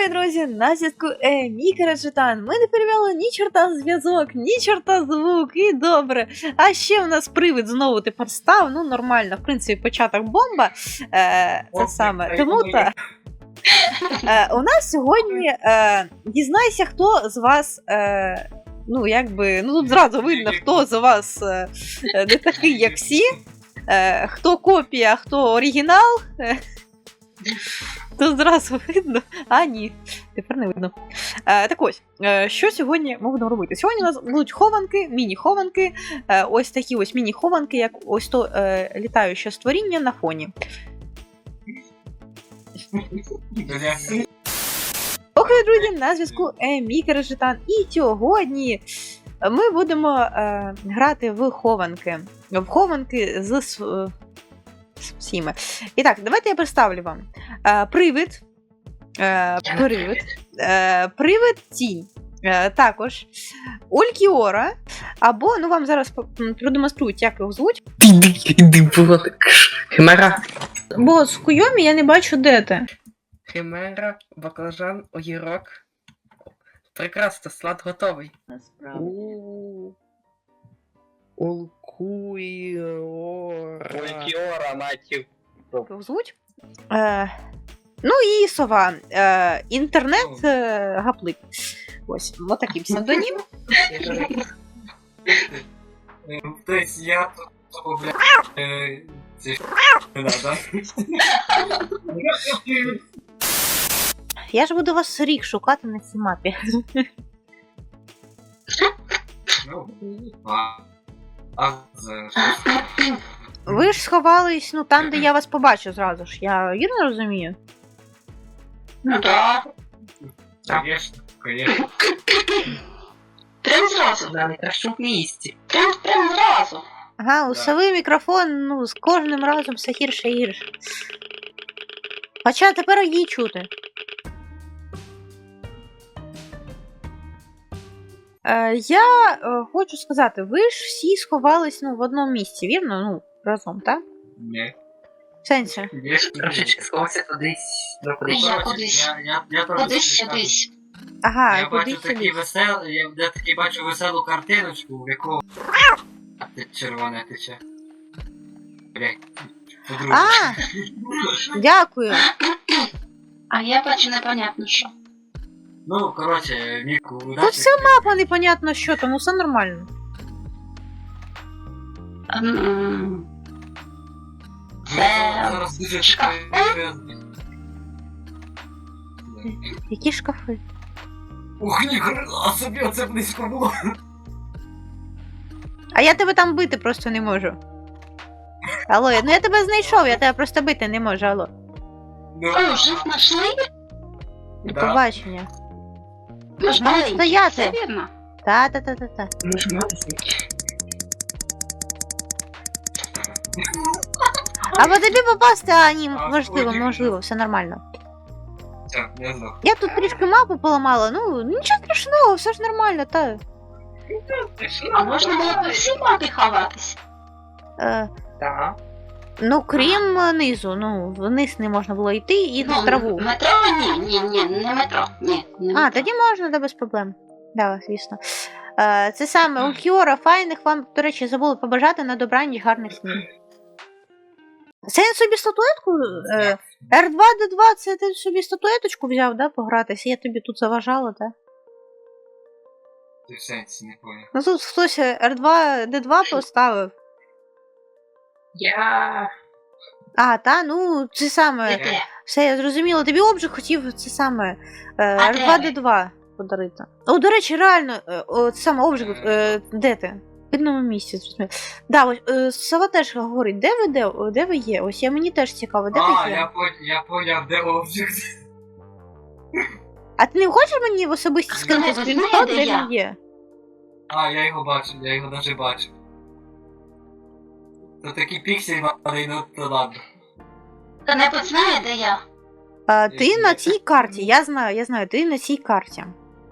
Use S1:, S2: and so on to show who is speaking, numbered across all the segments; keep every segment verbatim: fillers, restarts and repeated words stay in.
S1: Привіт, друзі! На зв'язку е, Мікера Джетан. Ми не перевели ні чорта зв'язок, ні чорта звук, і добре. А ще в нас привид знову тепер став, ну нормально, в принципі, початок бомба. Е, це саме. Тому та е, у нас сьогодні е, дізнайся, хто з вас, е, ну якби, ну тут зразу видно, хто з вас е, не такий, як всі, е, хто копія, хто оригінал. Е, Тут зразу видно, а ні, тепер не видно. Е, так ось, е, що сьогодні ми будемо робити? Сьогодні у нас будуть хованки, міні-хованки, е, ось такі ось міні-хованки, як ось то е, літаюче створіння на фоні. Охай, друзі, на зв'язку е, Мікера Джетан. І сьогодні ми будемо е, грати в хованки. В хованки з... Е, всіми. І так, давайте я представлю вам. Е, привид, е, привид, е, привид тінь. Е, також Улькіора, або, ну вам зараз продемонструють, як його звуть.
S2: Химера.
S1: Бо з Куйомі я не бачу, де ти.
S2: Химера, баклажан, огірок. Прекрасно, салат готовий. Улкуйора.
S3: Улькіора, матів.
S1: Його звуть. Е, ну і сова. Е, інтернет е, гаплик. Ось, ось такий псевдонім.
S3: Тобто я тут, бля, це не надо.
S1: Я ж буду вас рік шукати на цій мапі.
S3: Ну, а, а, за
S1: Ви ж сховались, ну, там, де я вас побачу зразу ж. Я вірно розумію?
S4: Ну да.
S3: Конечно, конечно.
S4: Прям зразу.
S2: На найкращому місці.
S4: Прям, прям зразу.
S1: Ага, у
S3: Да.
S1: сови мікрофон, ну, з кожним разом все гірше і гірше. Хоча тепер її чути. Е, я е, хочу сказати, ви ж всі сховались, ну, в одному місці, вірно? Ну, разом, так?
S3: Не.
S1: В сенсі?
S2: Трошечки сховався кудись. Ну, кудись.
S4: Я кудись.
S3: Я, я, я теж
S4: Кудись
S3: скажу.
S4: сюдись.
S1: Ага,
S3: Я бачу
S1: кудись
S3: такий
S1: сюди.
S3: весел, я, я таки бачу веселу картиночку, в яку ти червоне тече. Блять.
S1: А, дякую.
S4: А я бачу непонятно що.
S3: Ну, короче, Міку, удачі.
S1: Тут вся мапа непонятно що, тому все нормально.
S4: М,
S3: Зараз- Зараз дуже
S4: Шкаф.
S3: серйозно.
S1: Які шкафи?
S3: Ух, ніхрена собі, оце близько було.
S1: А я тебе там бити просто не можу. Алло, я- ну я тебе знайшов, я тебе просто бити не можу, алло.
S3: Ну,
S4: О, жив нашли?
S1: До
S3: да.
S1: побачення.
S4: Ми ж
S1: Ну,
S4: маленькі,
S1: стояти.
S4: все вірно.
S1: Та-та-та-та-та.
S2: Нажиматися.
S1: Або тобі попасти, а ні,
S3: А,
S1: можливо,
S3: ой,
S1: можливо, все нормально.
S3: Так, я знав.
S1: Я тут трішки мапу поламала, ну нічого страшного, все ж нормально, та.
S4: А можна було по всій мапі ховатись?
S1: Е,
S2: Так.
S1: ну, крім е, низу, ну, вниз не можна було йти і в траву.
S4: Метро? Ні, ні, ні, не метро. Ні, не
S1: А,
S4: метро.
S1: тоді можна, да, без проблем. Да, звісно. Е, це саме у Кіора, файних вам, до речі, забули побажати на добраніч гарних снів. Це я собі статуетку? Е, Р два Д два, це ти собі статуеточку взяв, да, погратися? Я тобі тут заважала, так?
S3: Ти в сенсі не поняв.
S1: Ну тут хтось Р два Д два поставив.
S2: Я...
S1: А, та, ну, це саме.
S4: Де?
S1: Все, я зрозуміла. Тобі обжиг хотів це саме
S4: А
S1: Р два Д
S4: де
S1: два подарити. О, до речі, реально, е, о, це саме обжиг, е, де ти? В одному місці, зрозуміло. Да, ось е, Сова теж говорить, де ви, де, о, де ви є? Ось я мені теж цікаво, де
S3: А,
S1: ви є?
S3: я поняв, я поняв, де обжиг.
S1: А ти не хочеш мені в особисті скинути
S4: ви знаєте,
S1: скріншот, де
S4: я?
S1: він є?
S3: А, я його бачу, я його навіть бачу. То такий піксель малий, ну то ладно.
S4: Хто-небудь знає, де я?
S1: А, ти на цій карті, я знаю, я знаю, ти на цій карті.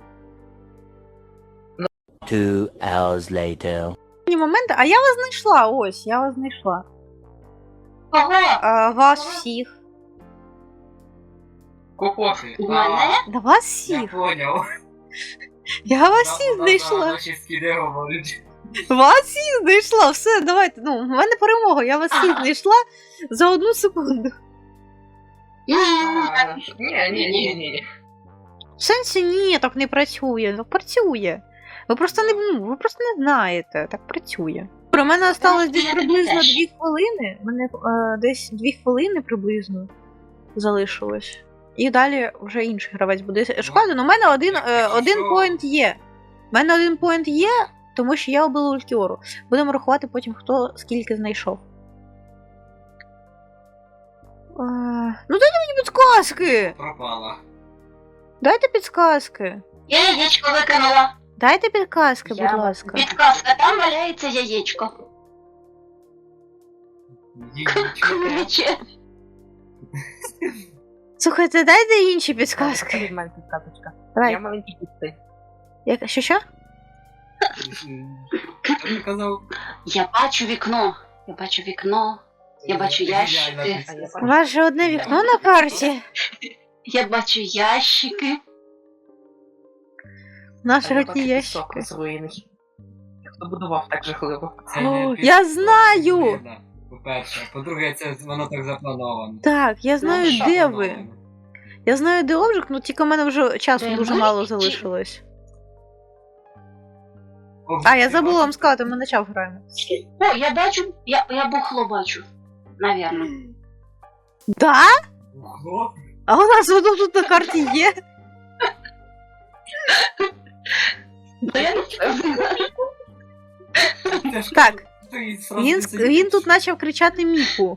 S5: Two hours later.
S1: Моменти, а я вас знайшла, ось, я вас знайшла.
S4: Кого?
S1: А, вас всіх.
S2: Кокоси.
S4: У мене?
S1: Да вас
S3: Я
S1: всіх.
S3: поняв.
S1: Я вас всіх знайшла.
S3: Наші скіди говорять.
S1: Вас всіх знайшла. Все, давайте. Ну, в мене перемога. Я вас всіх знайшла за одну секунду.
S2: А, Ні, ні, ні, ні.
S1: В сенсі ні, так не працює. Так працює. Ви просто не, ну, ви просто не знаєте. Так працює. Про мене осталось десь
S4: Я
S1: приблизно
S4: теж.
S1: дві хвилини. Мене е, десь дві хвилини приблизно залишилось. І далі вже інший гравець буде шукати. Ну, у мене один, е, один поінт є. У мене один поінт є, тому що я обила Ультіору. Будемо рахувати потім, хто скільки знайшов. Е, ну дайте мені підсказки!
S3: Пропала.
S1: Дайте підсказки.
S4: Я яєчко викинула.
S1: Дайте підказки,
S2: Я-
S1: будь ласка.
S4: Підказка, там валяється яєчко.
S3: Яєчко.
S4: Ключе.
S1: Слухайте, дайте інші підсказки.
S2: Від мене підказочка.
S1: Давай.
S2: Я маленький кіт.
S1: Як, що що?
S3: Що ти казав?
S4: Я бачу вікно. Я бачу вікно. Я бачу ящики.
S3: Геніальна
S2: А я
S3: підказка.
S1: У вас же одне вікно на карті.
S4: Я бачу ящики.
S1: Наші
S2: А я
S1: роті
S2: бачу
S1: ящики.
S2: пісок зруйний. Хто будував так жахливо?
S3: Це не
S1: О,
S3: під-
S1: я знаю!
S3: Видно, По-перше. По-друге, це воно так заплановано.
S1: Так, я знаю,
S4: що
S1: де
S3: Заплановано.
S1: ви. Я знаю, де обжиг, ну тільки в мене вже часу
S4: Де
S1: дуже
S4: ми?
S1: мало
S4: Чи-
S1: залишилось.
S3: Обжиг,
S1: А, я
S3: ти
S1: забула вам
S3: бачиш?
S1: сказати, ми начав граємо.
S4: О, я бачу, я, я бухло бачу. Навірно.
S1: Да?
S3: Ого.
S1: А у нас воно тут на карті є.
S4: Та я не впевнена.
S3: Це ж
S1: Так,
S3: стоїть сразу
S1: він,
S3: сидить.
S1: він тут почав кричати Міку.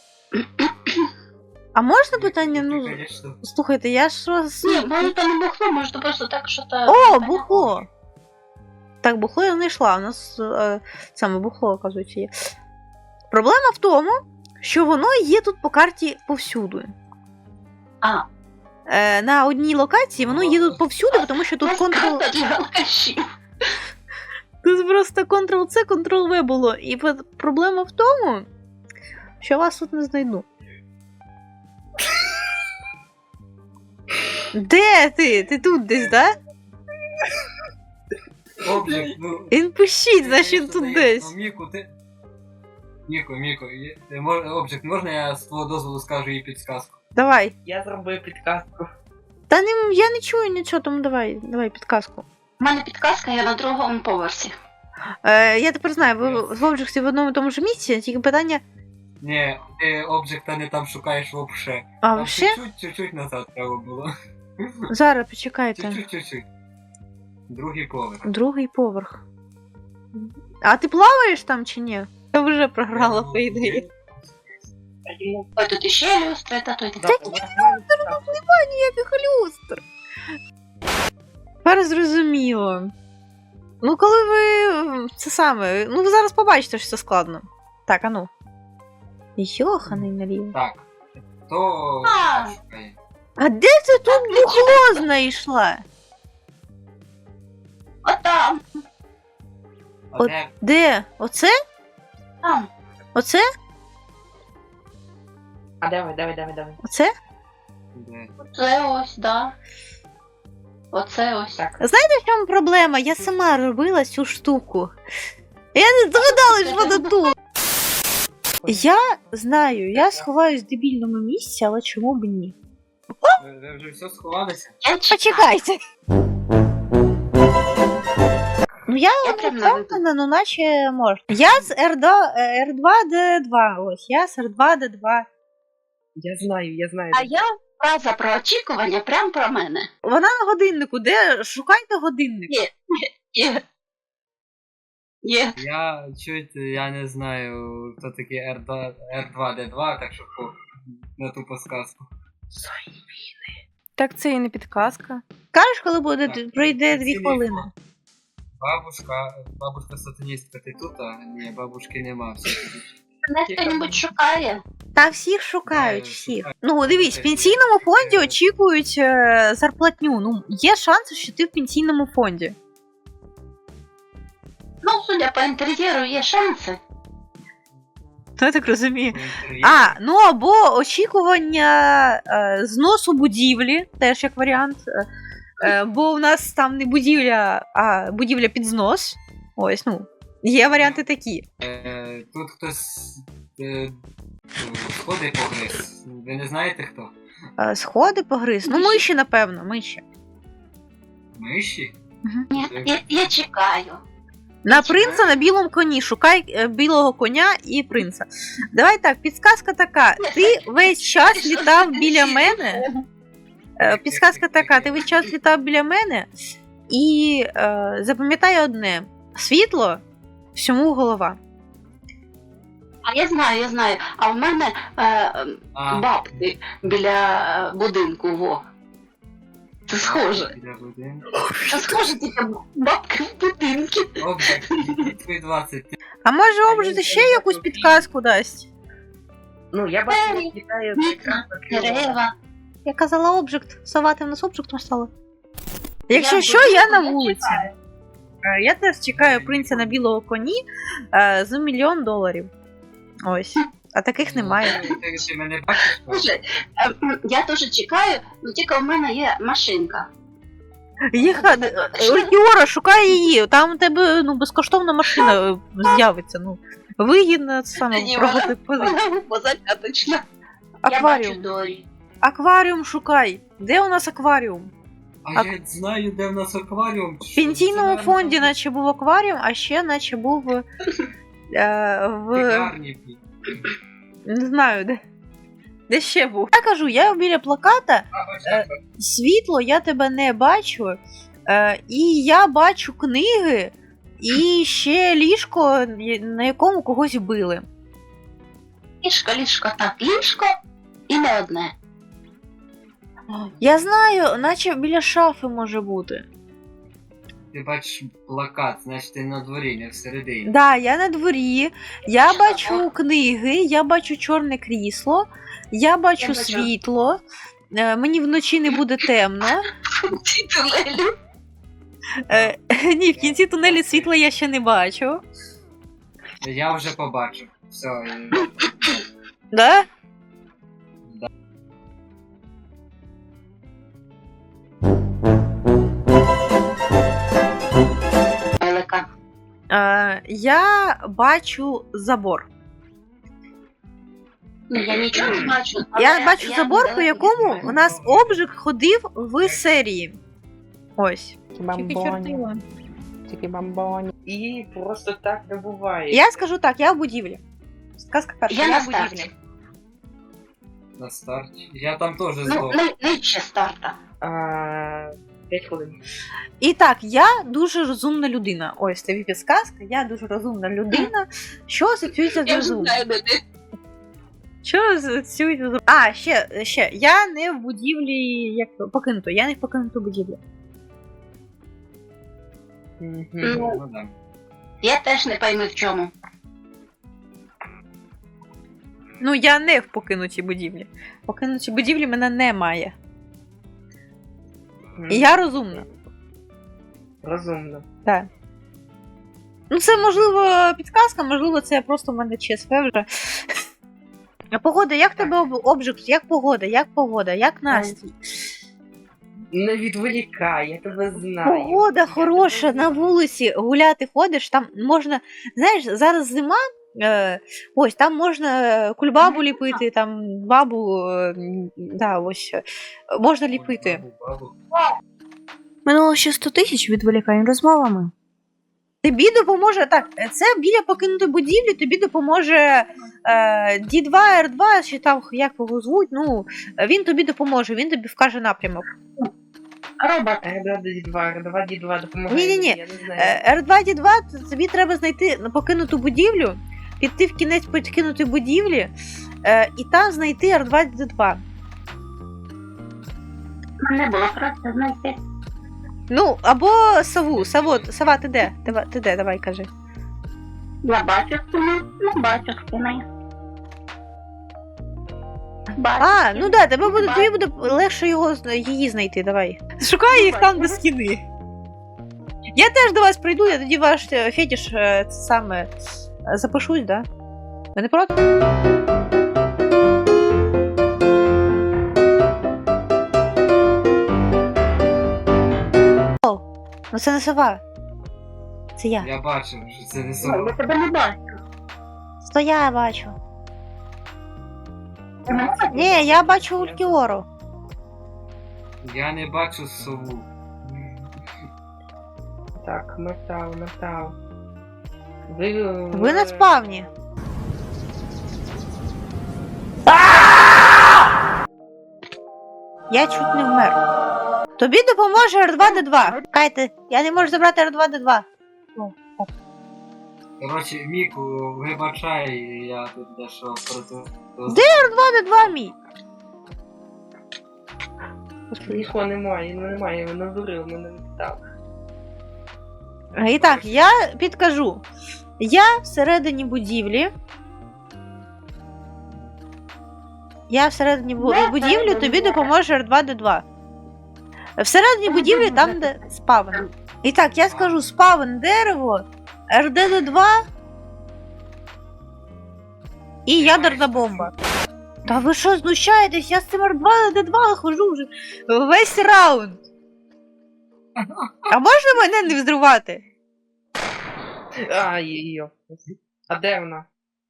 S1: А можна питання? Ну,
S3: Конечно.
S1: слухайте, я ж вас...
S4: Ні, може то не бухло, може то просто так, що та...
S1: О, бухло! Так, бухло я знайшла. У нас е, саме бухло, оказується, є. Проблема в тому, що воно є тут по карті повсюду.
S4: А,
S1: Е, на одній локації воно є тут повсюди, тому що тут
S4: просто
S1: контрол...
S4: карта для алкашів.
S1: Тут просто контрол-С, контрол-В було. І п- проблема в тому, що вас тут не знайду. Де ти? Ти тут десь, да?
S3: Обжиг, ну...
S1: Він пишіть,
S3: ти,
S1: значить він
S3: конечно,
S1: тут
S3: даєш,
S1: десь.
S3: ну, Міку, ти... Міку, Міку, є- ти мож... Обжиг, можна я з твого дозволу скажу їй підсказку?
S1: Давай.
S2: Я зробив підказку.
S1: Та не, я не чую нічого, тому давай, давай підказку.
S4: У мене підказка, я на другому поверсі.
S1: Е, я тепер знаю, ви в Обжигсі в одному і тому ж місці, тільки питання.
S3: Ні, ти обжиг-та не там шукаєш вообще.
S1: А
S3: Там
S1: вообще?
S3: чуть-чуть, чуть-чуть назад треба було.
S1: Зараз почекайте.
S3: Чуть-чуть, чуть-чуть. Другий поверх.
S1: Другий поверх. А ти плаваєш там чи ні? Я вже програла, по ідеї.
S4: Ой, тут іще люстра, та той
S2: Так, у мене підказка.
S1: Ніяких люстр. Тепер зрозуміло. Ну, коли ви. Це саме. Ну, ви зараз побачите, що це складно. Так, а ну. Йоханий наліво.
S3: Так. Хто
S4: А.
S3: шукає?
S1: А де ти тут бухло знайшла?
S4: Отам,
S3: А
S1: От-
S3: де?
S1: Де? Оце?
S4: там.
S1: Оце?
S2: А давай, давай, давай, давай.
S1: Оце?
S3: Де?
S4: Це ось, да. Оце ось.
S2: Так.
S1: В чому проблема? Я сама робила цю штуку. Я не здогадалась, що вона тут. Я знаю, я сховаюсь в дебільному місці, але чому б ні?
S3: Ви, ви вже все сховалися?
S4: Я чекаю.
S1: Почекайте. Ну я
S4: Я
S1: не
S4: прям на вибір.
S1: впевнена, ну наче можна. Я з Р два Д два. Ось, я з Р два Д два.
S2: Я знаю, я знаю.
S4: А я фраза про очікування прям про мене.
S1: Вона на годиннику. Де? Шукайте годинник.
S4: Є. Є. Є.
S3: Я чуть, я не знаю, хто такий Р два Д два, так що по- на ту подсказку.
S1: Так це і не підказка. Кажеш, коли буде
S3: Так,
S1: пройде
S3: це
S1: дві
S3: не
S1: хвилини.
S3: Бабушка, бабушка сатаністка, ти тут? А? Ні, бабушки нема. Всі тут.
S4: Мене хто-небудь шукає.
S1: Та всіх шукають,
S3: Знаю,
S1: всіх.
S3: шукають.
S1: Ну, дивись, в пенсійному фонді очікують е, зарплатню. Ну, є шанси, що ти в пенсійному фонді.
S4: Ну, судя по інтер'єру, є шанси.
S1: Ну, я так розумію.
S3: Інтер'єр.
S1: А, ну або очікування е, зносу будівлі, теж як варіант. Е, е, бо у нас там не будівля, а будівля під знос. Ось, ну. Є варіанти такі.
S3: Е, Тут хтось е, ну, сходи погриз. Ви не знаєте хто?
S1: Е, сходи погриз. Ну, миші, напевно, миші.
S3: Миші?
S4: Ні, я, я чекаю.
S1: На принца на білому коні. Шукай е, білого коня і принца. Давай так, підсказка така. Ти весь час літав біля мене. Е, Підсказка така, ти весь час літав біля мене. І е, запам'ятай одне: світло всьому голова.
S4: А я знаю, я знаю. А в мене е,
S3: А,
S4: бабки біля е, будинку, во. Це схоже.
S3: біля будинку.
S4: Це схоже, тільки бабки в будинку.
S3: Обжиг, твої двадцять.
S1: А може обжити ще якусь підказку дасть?
S2: Ну, я бачу,
S4: Двері,
S2: як літає
S4: вікна,
S2: прекрасна крила.
S4: дерева.
S1: Я казала обжект, совати в нас обжектом стало. Якщо
S4: Я
S1: що,
S4: буду-
S1: я на вулиці. Е, Я теж чекаю принца на білого коні е, за мільйон доларів. Ось. А таких немає.
S3: Ти, ти мене бачиш?
S4: Слушай, е, м, я теж чекаю, але тільки в мене є машинка.
S1: Їха... Юра, шукай її. Там у тебе ну, безкоштовна машина е, з'явиться. Ну, вигідно це саме
S4: Ні,
S1: прогати позицію.
S4: Вона позатяточна. Я бачу
S1: Акваріум.
S4: Дорі.
S1: Акваріум шукай. Де у нас акваріум?
S3: А я знаю, де в нас акваріум.
S1: В пенсійному фонді наче був акваріум, а ще наче був е, в...
S3: Пекарні.
S1: Не знаю, де. Де ще був. Я кажу, я біля плаката, світло, я тебе не бачу. Е, і я бачу книги, і ще ліжко, на якому когось били.
S4: Ліжко, ліжко, так, ліжко і не одне.
S1: Я знаю, наче біля шафи може бути.
S3: Ти бачиш плакат, значить ти на дворі, не всередині.
S1: Да, я на дворі, я бачу книги, я бачу чорне крісло, я бачу
S4: Я бачу.
S1: світло, е, мені вночі не буде темно.
S4: Ці тунелі.
S1: Е, ні, в кінці тунелі світла я ще не бачу.
S3: Я вже побачив. Все. е,
S1: Да?
S4: Велика.
S1: Е, я бачу забор.
S4: Ну, я нічого не бачу. але
S1: Я бачу забор, по
S4: недалеко
S1: якому
S4: від
S1: у нас обжиг ходив в серії. Ось.
S6: Бамбоні. Тільки бамбоні.
S2: І просто так не буває.
S1: Я скажу так, я в будівлі. Сказка перша,
S4: Я
S1: я,
S4: на
S1: в будівлі.
S4: старті.
S3: На старті. Я там теж
S4: Ну,
S3: здох.
S4: не- нижче старта.
S2: А, п'ять хвилин.
S1: І так, я дуже розумна людина. Ось тобі підсказка, я дуже розумна людина. Що асоціюється з
S4: Я вже
S1: розумом?
S4: знаю, де ти.
S1: Що асоціюється з розумом? А, ще, ще, я не в будівлі, як то, покинуто, я не в покинуту будівлю.
S2: Мгм.
S4: Ну,
S3: Ну, да.
S4: я теж не пойму в чому.
S1: Ну, я не в покинутій будівлі. В покинутій будівлі мене немає. І я розумна.
S2: Розумно.
S1: Так. Ну, це можливо підказка, можливо, це просто в мене ЧСВ вже. А погода, як тебе об- обжиг? Як погода? Як погода? Як настрій?
S2: Не відволікай, я тебе знаю.
S1: Погода хороша, на вулиці гуляти ходиш, там можна. Знаєш, зараз зима. Е, ось там можна кульбабу ліпити, там бабу. Е, м, да, ось е, можна ліпити.
S3: Бабу, бабу.
S1: Минуло ще сто тисяч відволікань розмовами. Тобі допоможе. Так, це біля покинутої будівлі, тобі допоможе е, Ді два, Р два, чи там як його звуть. Ну, він тобі допоможе, він тобі вкаже напрямок.
S4: Робот.
S2: Р два Ді два, Р два Ді два допомагає.
S1: Ні-ні-ні.
S2: Я не знаю.
S1: Е, Р два Ді два тобі треба знайти покинуту будівлю, піти в кінець покинутої будівлі е, і там знайти Р два Ді два.
S4: Не було просто знайти.
S1: Ну, або сову. Саво, сова, ти де? Ти, ти де? Давай кажи.
S4: Я бачу спину, не бачу спини. Бачу
S1: А,
S4: спину.
S1: ну да, тебе буде, тобі буде легше його, зна- її знайти, давай. Шукай їх там до стіни. Я теж до вас прийду, я тоді ваш е, фетиш е, це саме е, запишусь, да? Ви не проти? О, ну це не сова. Це я.
S3: Я бачив, що це не
S4: Я
S3: сова.
S4: тебе не бачу.
S1: То я бачу. Ні, я бачу Улькіору.
S3: Я не бачу сову.
S2: Так, метал, метал. Ви,
S1: Ви на спавні. Я чуть не вмер. Тобі допоможе Р два Д два. Кайте, я не можу забрати Р два Д два.
S3: Коротше, Міку, вибачай, я тут дещо проти.
S1: Де Р два Д два мій? Господи.
S2: Нікого немає, ну немає, він надурив, мене не питав.
S1: І так, я підкажу. Я всередині будівлі. Я всередині бу- будівлі, тобі допоможе Р два Д два. Всередині будівлі там, де спавен. І так, я скажу спавен дерево, Р Д Д два і ядерна бомба. Та ви що знущаєтесь? Я з цим Р два Д два хожу вже весь раунд. А можна мене не взривати?
S2: А, її. А де вона?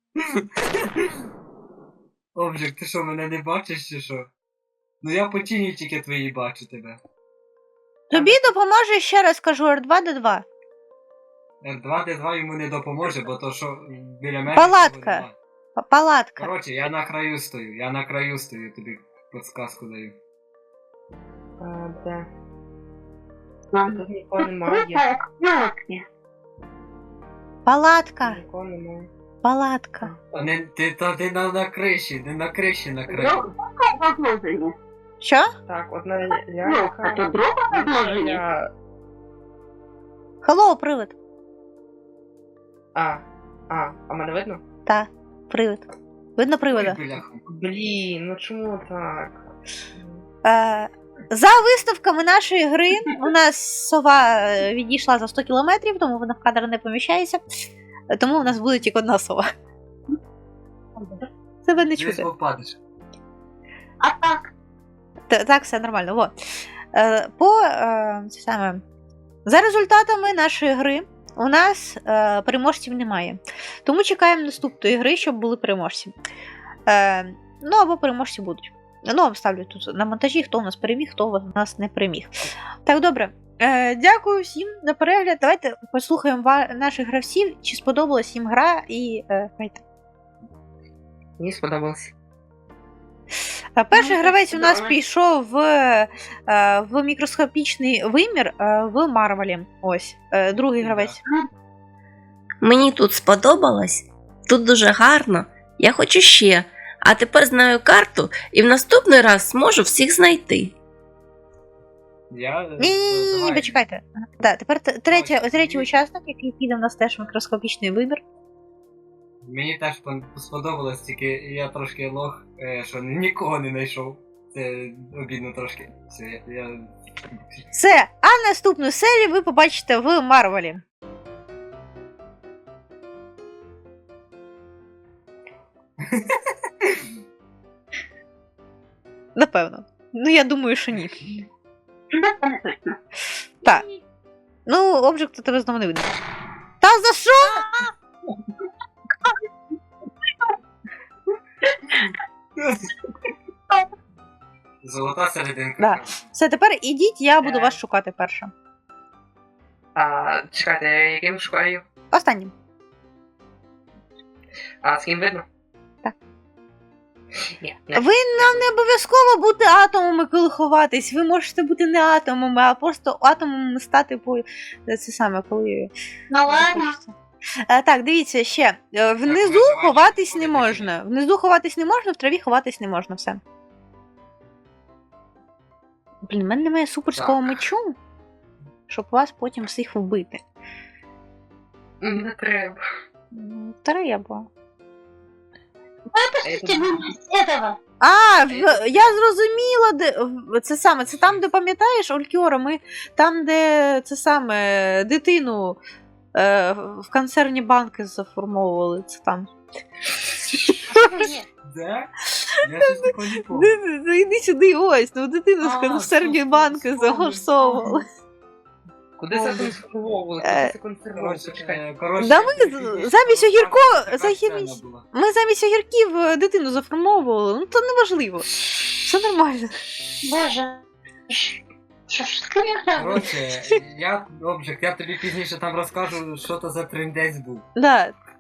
S3: Обжик, ти що, мене не бачиш чи що? Ну я по тіні тільки твої бачу тебе.
S1: Тобі допоможе, ще раз кажу, Р два Д два.
S3: Р два Д два йому не допоможе, бо то що біля мене.
S1: Палатка.
S3: нікого нема.
S1: П- Палатка.
S3: Коротше, я на краю стою, я на краю стою, тобі підсказку даю.
S2: А, де?
S4: Нам
S2: Тут нікого немає.
S1: Палатка.
S2: Нікого немає.
S1: Палатка.
S3: А не, ти, та, ти на, на криші, не на криші на краю.
S4: розложення.
S1: Що?
S2: Так, одна
S4: Ну, а то
S2: лялька.
S4: друге розложення.
S2: Я...
S1: Хеллоу, привид.
S2: А, а, а мене видно?
S1: Та, привид. Видно привида?
S3: Ой, бляха.
S2: Блін, ну чому так?
S1: Е, за виставками нашої гри у нас сова е, відійшла за сто кілометрів, тому вона в кадр не поміщається. Е, Тому у нас буде тільки одна сова. Тебе не
S3: Десь
S1: чути.
S3: попадеш.
S4: А так,
S1: Т- Так, все нормально. Во. Е, По е, це саме. За результатами нашої гри у нас е, переможців немає. Тому чекаємо наступної гри, щоб були переможці. Е, ну або переможці будуть. Ну, вам ставлю тут на монтажі, хто у нас переміг, хто у нас не переміг. Так, добре. Е, дякую всім за перегляд. Давайте послухаємо ва- наших гравців, чи сподобалась їм гра і. Е, грайте.
S2: Мені сподобалось.
S1: А перший
S4: Ну,
S1: гравець у нас
S4: добре.
S1: пішов в, е, в мікроскопічний вимір е, в Марвелі. Ось. Е, Другий гравець.
S7: Мені тут сподобалось, тут дуже гарно, я хочу ще. А тепер знаю карту і в наступний раз зможу всіх знайти.
S3: Я...
S1: Ні, ні, ні, ні,
S3: Давай.
S1: почекайте. Да, тепер т- третя,
S3: Ось,
S1: третій
S3: і-
S1: учасник, який піде в нас теж в мікроскопічний вибір.
S3: Мені теж пон- сподобалось, тільки я трошки лох, е, що нікого не знайшов. Це обідно трошки. Все, я... я...
S1: Все, а наступну серію ви побачите в Марвелі. Напевно. Ну, я думаю, що ні.
S4: це не точно.
S1: Так. Ну, обжекту тебе знову не видно. Та за що?
S3: Золота серединка.
S1: Да. Все, тепер ідіть, я буду
S2: Е.
S1: вас шукати перша.
S2: А, чекайте, яким шукаю?
S1: Останнім.
S2: А, з ким видно?
S1: Так.
S2: Ні, не.
S1: Ви нам не обов'язково бути атомами, коли ховатись. Ви можете бути не атомами, а просто атомами стати по це саме, коли.
S4: Ну ладно.
S1: Е, так, дивіться ще. Е, Внизу
S3: виживач
S1: ховатись не
S3: ходить
S1: можна. Внизу ховатись не можна, в траві ховатись не можна, все. Блін, в мене немає суперського
S3: Так.
S1: мечу, щоб вас потім всіх вбити.
S2: Не треба.
S1: М, Треба.
S2: А я тут-
S4: С этого.
S1: А, в- я зрозуміла, де в- це саме, це там, де пам'ятаєш, Олькіора, ми там, де це саме дитину е, в концерні банки заформовували. Це там.
S3: Да? Я щось такого не помню.
S1: Ну, ну, іди сюди, ось, ну дитину
S3: А,
S1: в середньої
S3: вспомнив,
S1: банки
S3: вспомнив,
S1: загорсовували.
S2: Куди це консервовували?
S1: Е,
S2: Куди це консервовували?
S3: Коротше,
S2: Чекай.
S3: е, коротше,
S1: Да ми
S3: е,
S1: з- замість огірко-
S3: така
S1: замість-
S3: сцена була.
S1: Ми замість огірків е, дитину заформовували, ну то неважливо. Все нормально.
S4: Боже. Що ж таке?
S3: Коротше, я, Обжик, я тобі пізніше там розкажу, що то за трендець був.
S1: Да,